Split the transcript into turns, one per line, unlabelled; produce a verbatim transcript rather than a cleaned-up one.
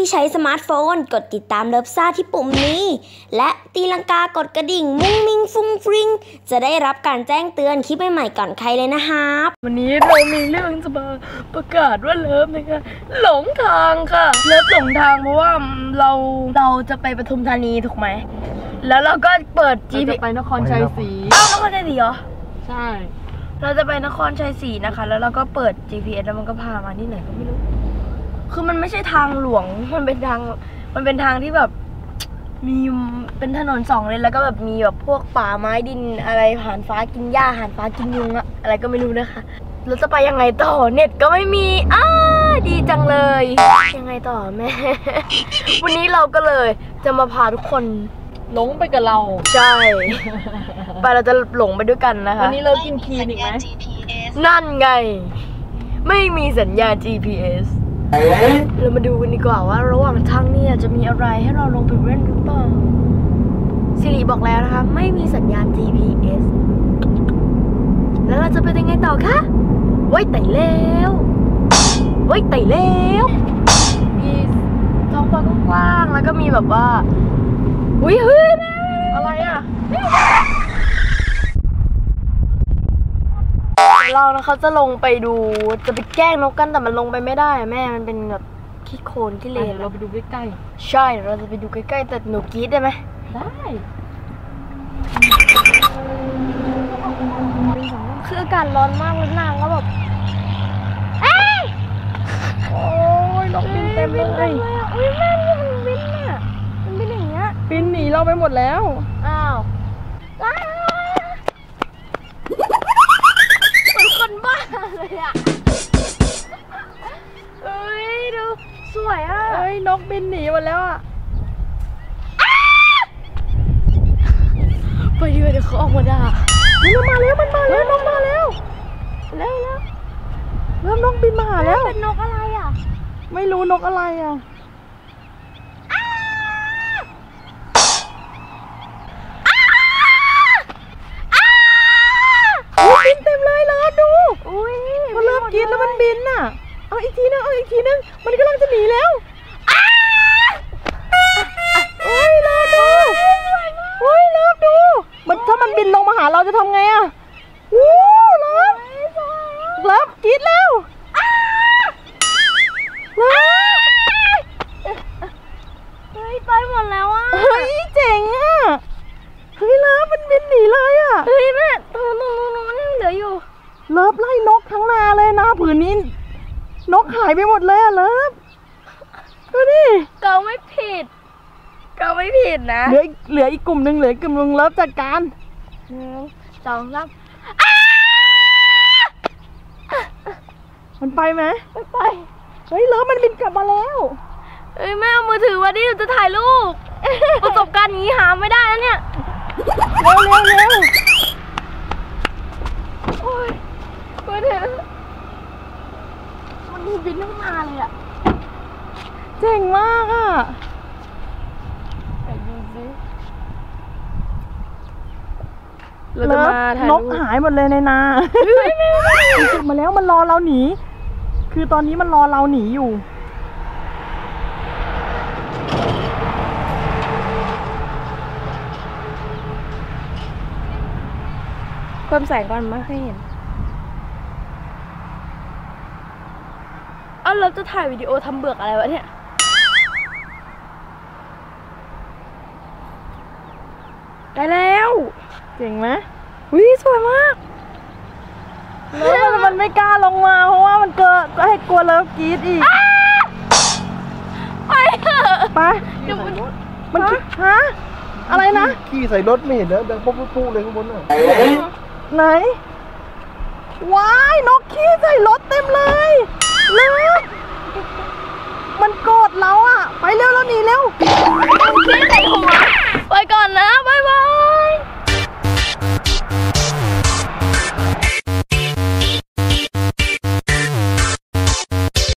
ที่ใช้สมาร์ทโฟนกดติดตามเลิฟซ่าที่ปุ่มนี้และตีลังกากดกระดิ่งมุ้งมิ้งฟุ้งฟริ้งจะได้รับการแจ้งเตือนคลิปใหม่ๆก่อนใครเลยนะครับ
วันนี้เรามีเรื่องจะมาประกาศว่าเลิฟนะคะหลงทางค่ะเลิฟหลงทางเพราะว่าเราเราจะไปปทุมธานีถูกไหมแล้วเราก็เปิด จี พี เอส
ไปนครชัยศรี
อ้าวนครชัยศรีเหรอ
ใช่
เราจะไปนครชัยศรีนะคะแล้วเราก็เปิด จี พี เอส แล้วมันก็พามาที่ไหนก็ไม่รู้คือมันไม่ใช่ทางหลวงมันเป็นทางมันเป็นทางที่แบบมีเป็นถนนสองเลนแล้วก็แบบมีแบบพวกป่าไม้ดินอะไรผ่านฟ้ากินหญ้าผ่านฟ้ากินยุงอะอะไรก็ไม่รู้นะคะเราจะไปยังไงต่อเน็ตก็ไม่มีอ้าดีจังเลยยังไงต่อแม่ วันนี้เราก็เลยจะมาพาทุกคน
หลงไปกับเรา
ใช่ไปเราจะหลงไปด้วยกันนะคะ
วันนี้เรากินคีนอีกไหม
นั่นไงไม่มีสัญญาณ จี พี เอส เรามาดูกันดีกว่าว่าระหว่างทางเนี่ยจะมีอะไรให้เราลงไปเล่นหรือเปล่าสิริบอกแล้วนะคะไม่มีสัญญาณ จี พี เอส แล้วเราจะไปยังไงต่อคะไว้ไต่แล้วไว้ไต่แล้วมีท้องฟ้ากว้างๆแล้วก็มีแบบว่าอุ้ยเฮ้ย
อะไรอ่ะ
เรานะเขาจะลงไปดูจะไปแกล้งนกกันแต่มันลงไปไม่ได้แม่มันเป็นแบบขี้โคลนที่เลน
เราไปดูใกล้
ๆใช่เราจะไปดูใกล้ๆแต่หนูกรี๊ดได้ไหม
ได้
คืออากาศร้อนมากเลยนางก็แบบเอ้ย
โอ้ยนกบินเต็มเลย
อุ้ยแม่นี่มันบินอ่ะมันบินอย่างเงี้ย
บินหนีเราไปหมดแล้ว
อ้าวคนบ้าเลยอ่ะเอ้ยดูสวยอ่ะ
เอ้ยนกบินหนีหมดแล้วอ่ะ
ไปดีกว่าเดี๋ยวเขาออกมาด่า
มันมาแล้วมันมาแล้วนกมาแล้ว
แล้วแล้ว
เริ่มนกบินมาหาแล้ว
เป็นนกอะไรอ่ะ
ไม่รู้นกอะไรอ่ะบินเต็มเลยแล้วดูมันเริ่มกินแล้วมันบินน่ะเอาอีกทีนึงเอาอีกทีนึงมันกำลังจะหนีแล้วเฮ้ยเลิฟดูเฮ้ยเลิฟดูมันถ้ามันบินลงมาหาเราจะทำไงอ่ะวู้เลิฟเลิฟกินแล้วเลิฟ
เฮ้ยไปหมดแล้วอ่ะ
เฮ้ยเจ๋งอ่ะเฮ้ยเลิฟมันบินหนีเลยอ่ะ
เฮ้ยแม่ตรงนู้นนู้นยังเหลืออยู่
เลิฟไล่นกทั้งนาเลยนะผืนนี้นกหายไปหมดเลยอะเลิฟดูดิ
เกาไม่ผิดเกาไม่ผิดนะ
เหลือเหลืออีกกลุ่มหนึ่งเหลือกลุ่มหนึ่งเลิฟจัดการ
หนึ่งสองสาม
มันไปไหม
ไม่ไป
เฮ้ยเลิฟมันบินกลับมาแล้ว
เฮ้ยแม่เอามือถือมาดิเราจะถ่ายรูปประสบการณ์นี้หาไม่ได้แล้วเนี่ย
เร็วเร็วเร็ว
โอ้ยเปิดเถอะมันบินทั้งนาเลยอ่ะ
เจ๋งมากอ่ะ
ไปดูสิ
เราจะมาถ่ายนกหายหมดเลยในนามันกลับมาแล้วมันรอเราหนีคือตอนนี้มันรอเราหนีอยู่
เพิ่มแสงก่อนไม่ให้เห็นอ้าวเราจะถ่ายวิดีโอทำเบือกอะไรวะเนี่ยได้แล้ว
เจ๋งไหม
วิสวยมาก
แล้วมันมันไม่กล้าลงมาเพราะว่ามันเกิดก็ให้กลัวเลิฟกรี๊ดอีก
ไปเถอะ
ไปมันฮะอะไรนะ
ขี่ใส่รถไม่เห็นนะดังปุ๊บปุ๊บเลยข้างบนน่ะ
ไหนว้ายนกขี้ใส่รถเต็มเลยเลิฟมันโกรธเราอ่ะไปเร็วเราหนีเร็ว
ขี้ใส่หัวไปก่อนนะ